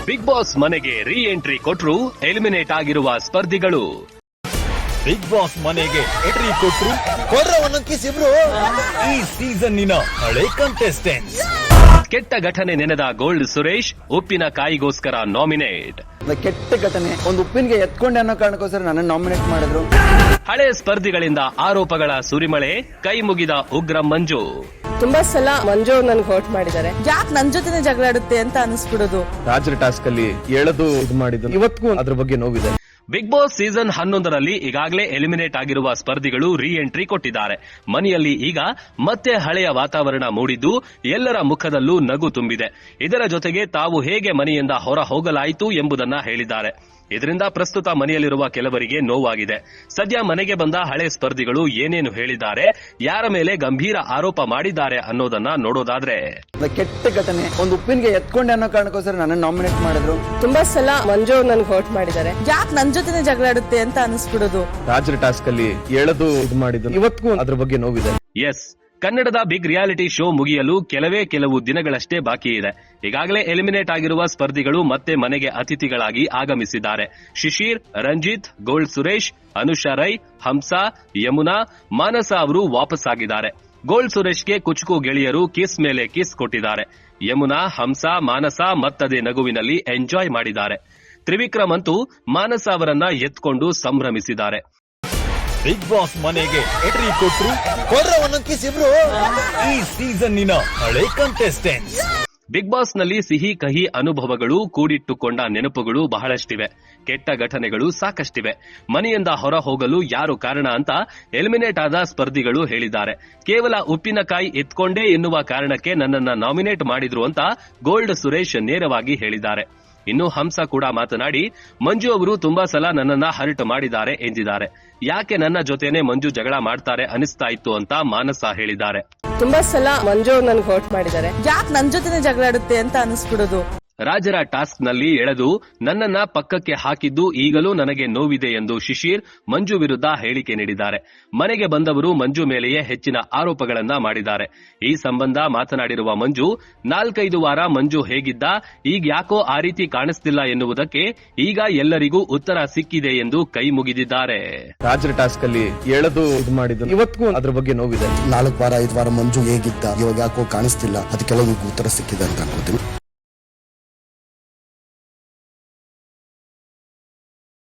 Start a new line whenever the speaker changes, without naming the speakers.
Big boss ಮನೆಗೆ ರೀ entry ಕೊಟ್ರು ಎಲಿಮಿನೇಟ್ ಆಗಿರುವ ಸ್ಪರ್ಧಿಗಳು.
ಬಿಗ್ ಬಾಸ್ ಮನೆಗೆ ಎಂಟ್ರಿ ಕೊಟ್ರು
ಇಬ್ರು
ಈ ಸೀಸನ್ನಿನ ಹಳೆ ಕಂಟೆಸ್ಟೆಂಟ್ಸ್.
ಕೆಟ್ಟ ಘಟನೆ ನೆನೆದ ಗೋಲ್ಡ್ ಸುರೇಶ್ ಉಪ್ಪಿನಕಾಯಿಗೋಸ್ಕರ ನಾಮಿನೇಟ್.
ಕೆಟ್ಟ ಘಟನೆ ಒಂದು ಉಪ್ಪಿನಿಗೆ ಎತ್ಕೊಂಡೆ ಅನ್ನೋ ಕಾರಣಕ್ಕೋಸ್ಕರ ನನ್ನ ನಾಮಿನೇಟ್ ಮಾಡಿದ್ರು.
ಹಳೆ ಸ್ಪರ್ಧಿಗಳಿಂದ ಆರೋಪಗಳ ಸುರಿಮಳೆ, ಕೈ ಮುಗಿದ ಉಗ್ರ ಮಂಜು.
ತುಂಬಾ ಸಲ ಮಂಜು ನನ್ಗೆ ಹೋಟ್ ಮಾಡಿದ್ದಾರೆ. ಯಾಕೆ ನನ್ ಜೊತೆನೆ ಜಗಳಾಡುತ್ತೆ ಅಂತ ಅನಿಸ್ಬಿಡೋದು.
ರಾಜರ ಟಾಸ್ಕ್ ಅಲ್ಲಿ ಎಳೆದು ಇದು ಮಾಡಿದ್ದು ಇವತ್ತಿಗೂ ಅದ್ರ ಬಗ್ಗೆ ನೋವಿದೆ.
ಬಿಗ್ ಬಾಸ್ ಸೀಸನ್ 11ರಲ್ಲಿ ಈಗಾಗಲೇ ಎಲಿಮಿನೇಟ್ ಆಗಿರುವ ಸ್ಪರ್ಧಿಗಳು ರೀ ಎಂಟ್ರಿ ಕೊಟ್ಟಿದ್ದಾರೆ. ಮನೆಯಲ್ಲಿ ಈಗ ಮತ್ತೆ ಹಳೆಯ ವಾತಾವರಣ ಮೂಡಿದ್ದು ಎಲ್ಲರ ಮುಖದಲ್ಲೂ ನಗು ತುಂಬಿದೆ. ಇದರ ಜೊತೆಗೆ ತಾವು ಹೇಗೆ ಮನೆಯಿಂದ ಹೊರ ಹೋಗಲಾಯಿತು ಎಂಬುದನ್ನ ಹೇಳಿದ್ದಾರೆ. ಇದರಿಂದ ಪ್ರಸ್ತುತ ಮನೆಯಲ್ಲಿರುವ ಕೆಲವರಿಗೆ ನೋವಾಗಿದೆ. ಸದ್ಯ ಮನೆಗೆ ಬಂದ ಹಳೆ ಸ್ಪರ್ಧಿಗಳು ಏನೇನು ಹೇಳಿದ್ದಾರೆ, ಯಾರ ಮೇಲೆ ಗಂಭೀರ ಆರೋಪ ಮಾಡಿದ್ದಾರೆ ಅನ್ನೋದನ್ನ ನೋಡೋದಾದ್ರೆ,
ಕೆಟ್ಟ ಘಟನೆ ಒಂದು ಉಪ್ಪಿನಿಗೆ ಎತ್ಕೊಂಡೆ ಅನ್ನೋ ಕಾರಣಕ್ಕೋಸ್ಕರ ನನ್ನ ನಾಮಿನೇಟ್ ಮಾಡಿದ್ರು.
ತುಂಬಾ ಸಲ ಮಂಜು ನನ್ಗೆ ಹೋಟ್ ಮಾಡಿದ್ದಾರೆ. ಯಾಕೆ ನನ್ ಜೊತೆನೆ ಜಗಳಾಡುತ್ತೆ ಅಂತ ಅನಿಸ್ಬಿಡೋದು.
ರಾಜರ ಟಾಸ್ಕ್ ಅಲ್ಲಿ ಎಳೆದು ಇದು ಮಾಡಿದ್ದು ಇವತ್ತಿಗೂ ಅದ್ರ ಬಗ್ಗೆ ನೋವಿದೆ.
ಎಸ್, ಕನ್ನಡದ ಬಿಗ್ ರಿಯಾಲಿಟಿ ಶೋ ಮುಗಿಯಲು ಕೆಲವು ದಿನಗಳಷ್ಟೇ ಬಾಕಿ ಇದೆ. ಈಗಾಗಲೇ ಎಲಿಮಿನೇಟ್ ಆಗಿರುವ ಸ್ಪರ್ಧಿಗಳು ಮತ್ತೆ ಮನೆಗೆ ಅತಿಥಿಗಳಾಗಿ ಆಗಮಿಸಿದ್ದಾರೆ. ಶಿಶಿರ್, ರಂಜಿತ್, ಗೋಲ್ಡ್ ಸುರೇಶ್, ಅನುಷಾ ರೈ, ಹಂಸಾ, ಯಮುನಾ, ಮಾನಸ ಅವರು ವಾಪಸ್ ಆಗಿದ್ದಾರೆ. ಗೋಲ್ಡ್ ಸುರೇಶ್ಗೆ ಕುಚುಕು ಗೆಳೆಯರು ಕಿಸ್ ಮೇಲೆ ಕಿಸ್ ಕೊಟ್ಟಿದ್ದಾರೆ. ಯಮುನಾ, ಹಂಸಾ, ಮಾನಸ ಮತ್ತದೇ ನಗುವಿನಲ್ಲಿ ಎಂಜಾಯ್ ಮಾಡಿದ್ದಾರೆ. ತ್ರಿವಿಕ್ರಮ್ ಅಂತೂ ಮಾನಸ ಅವರನ್ನ ಎತ್ಕೊಂಡು ಸಂಭ್ರಮಿಸಿದ್ದಾರೆ.
ಬಿಗ್ ಬಾಸ್ ಮನೆಗೆ ಎಂಟ್ರಿ ಕೊಟ್ರು
ಇಬ್ರು
ಈ ಸೀಸನ್ನಿನ ಹಳೆ ಕಂಟೆಸ್ಟೆಂಟ್ಸ್.
ಬಿಗ್ ಬಾಸ್ ನಲ್ಲಿ ಸಿಹಿ ಕಹಿ ಅನುಭವಗಳು, ಕೂಡಿಟ್ಟುಕೊಂಡ ನೆನಪುಗಳು ಬಹಳಷ್ಟಿವೆ. ಕೆಟ್ಟ ಘಟನೆಗಳು ಸಾಕಷ್ಟಿವೆ. ಮನೆಯಿಂದ ಹೊರ ಹೋಗಲು ಯಾರು ಕಾರಣ ಅಂತ ಎಲಿಮಿನೇಟ್ ಆದ ಸ್ಪರ್ಧಿಗಳು ಹೇಳಿದ್ದಾರೆ. ಕೇವಲ ಉಪ್ಪಿನಕಾಯಿ ಎತ್ಕೊಂಡೇ ಎನ್ನುವ ಕಾರಣಕ್ಕೆ ನನ್ನನ್ನ ನಾಮಿನೇಟ್ ಮಾಡಿದ್ರು ಅಂತ ಗೋಲ್ಡ್ ಸುರೇಶ್ ನೇರವಾಗಿ ಹೇಳಿದ್ದಾರೆ. ಇನ್ನು ಹಂಸ ಕೂಡ ಮಾತನಾಡಿ, ಮಂಜು ಅವರು ತುಂಬಾ ಸಲ ನನ್ನನ್ನ ಹರ್ಟ್ ಮಾಡಿದ್ದಾರೆ ಎಂದಿದ್ದಾರೆ. ಯಾಕೆ ನನ್ನ ಜೊತೆನೆ ಮಂಜು ಜಗಳ ಮಾಡ್ತಾರೆ ಅನಿಸ್ತಾ ಇತ್ತು ಅಂತ ಮಾನಸ ಹೇಳಿದ್ದಾರೆ.
ತುಂಬಾ ಸಲ ಮಂಜು ನನ್ಗೆ ಹೋಟ್ ಮಾಡಿದ್ದಾರೆ. ಯಾಕೆ ನನ್ ಜೊತೆನೆ ಜಗಳಾಡುತ್ತೆ ಅಂತ ಅನಿಸ್ಬಿಡೋದು.
ರಾಜರ ಟಾಸ್ಕ್ ನಲ್ಲಿ ಎಳೆದು ನನ್ನನ್ನ ಪಕ್ಕಕ್ಕೆ ಹಾಕಿದ್ದು ಈಗಲೂ ನನಗೆ ನೋವಿದೆ ಎಂದು ಶಿಶಿರ್ ಮಂಜು ವಿರುದ್ಧ ಹೇಳಿಕೆ ನೀಡಿದ್ದಾರೆ. ಮನೆಗೆ ಬಂದವರು ಮಂಜು ಮೇಲೆಯೇ ಹೆಚ್ಚಿನ ಆರೋಪಗಳನ್ನ ಮಾಡಿದ್ದಾರೆ. ಈ ಸಂಬಂಧ ಮಾತನಾಡಿರುವ ಮಂಜು, 4-5 ವಾರ ಮಂಜು ಹೇಗಿದ್ದ, ಈಗ ಯಾಕೋ ಆ ರೀತಿ ಕಾಣಿಸ್ತಿಲ್ಲ ಎನ್ನುವುದಕ್ಕೆ ಈಗ ಎಲ್ಲರಿಗೂ ಉತ್ತರ ಸಿಕ್ಕಿದೆ ಎಂದು ಕೈ ಮುಗಿದಿದ್ದಾರೆ.
ರಾಜರ ಟಾಸ್ಕ್ ಅಲ್ಲಿ ಎಳೆದು ಇದು ಮಾಡಿದ್ದು ಇವತ್ತಿಗೂ ಅದ್ರ ಬಗ್ಗೆ ನೋವಿದೆ.
4 ವಾರ 5 ವಾರ ಮಂಜು ಹೇಗಿದ್ದ, ಇವಾಗ ಯಾಕೋ ಕಾಣಿಸ್ತಿಲ್ಲ, ಅದಕ್ಕೆಲ್ಲ ಉತ್ತರ ಸಿಕ್ಕಿದೆ ಅಂತ ಅನ್ಕೋತೀನಿ.